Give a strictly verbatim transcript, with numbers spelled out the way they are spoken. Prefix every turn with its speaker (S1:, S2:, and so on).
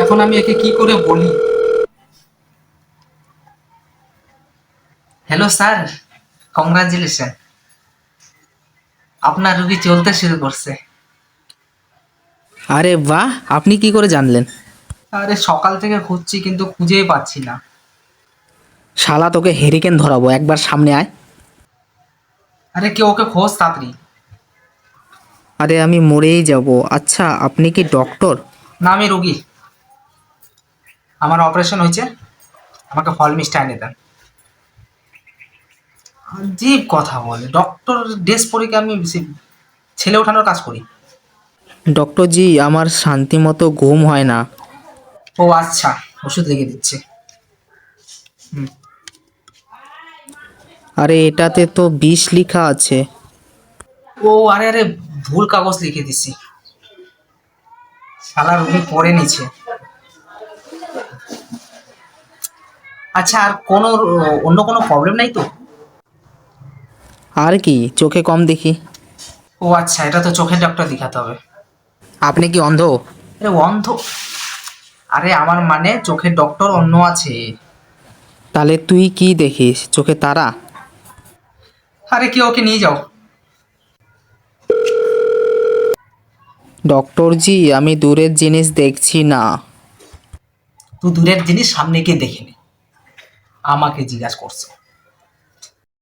S1: এখন আমি একে কি করে বলি? হ্যালো স্যার, কংগ্রাচুলেশন, আপনার রুগী চলতে শুরু করছে।
S2: আরে বাহ, আপনি কি করে জানলেন?
S1: আরে সকাল থেকে খুঁজছি কিন্তু খুঁজেই পাচ্ছি না।
S2: শালা তোকে হেরিকেন ধরাবো, একবার সামনে আয়।
S1: আরে কেউ ওকে খোঁজ তাড়াতাড়ি।
S2: আরে আমি মরেই যাব। আচ্ছা, আপনি কি ডক্টর?
S1: না, আমি রুগী। আমার অপারেশন হয়েছে, আমাকে ফল মিষ্টি এনে দেন। আজীব কথা বলে, ডক্টর ড্রেস পরে কি আমি সে- ছেলে ওঠানোর কাজ করি?
S2: ডক্টর জি, আমার শান্তি মতো ঘুম হয় না।
S1: ও আচ্ছা, ওষুধ লিখে দিচ্ছে। হুম।
S2: আরে এটাতে তো বিষ লেখা আছে।
S1: ও আরে আরে, ভুল কাগজ লিখে দিছি। শালা রুগী পড়ে নিচ্ছে। আচ্ছা, আর কোনো অন্য কোনো প্রবলেম নাই তো?
S2: আর কি, চোখে কম দেখি।
S1: ও আচ্ছা, এটা তো চোখের ডাক্তার দেখাতে হবে।
S2: আপনি কি অন্ধ?
S1: আরে অন্ধ? আরে আমার মানে চোখের ডক্টর অন্য আছে।
S2: তাহলে তুই কি দেখিস, চোখে তারা?
S1: আরে কি, ওকে নিয়ে যাও।
S2: ডক্টর জি, আমি দূরের জিনিস দেখছি না।
S1: তুই দূরের জিনিস সামনে গিয়ে দেখে নে, আমাকে জিজ্ঞাসা করছে।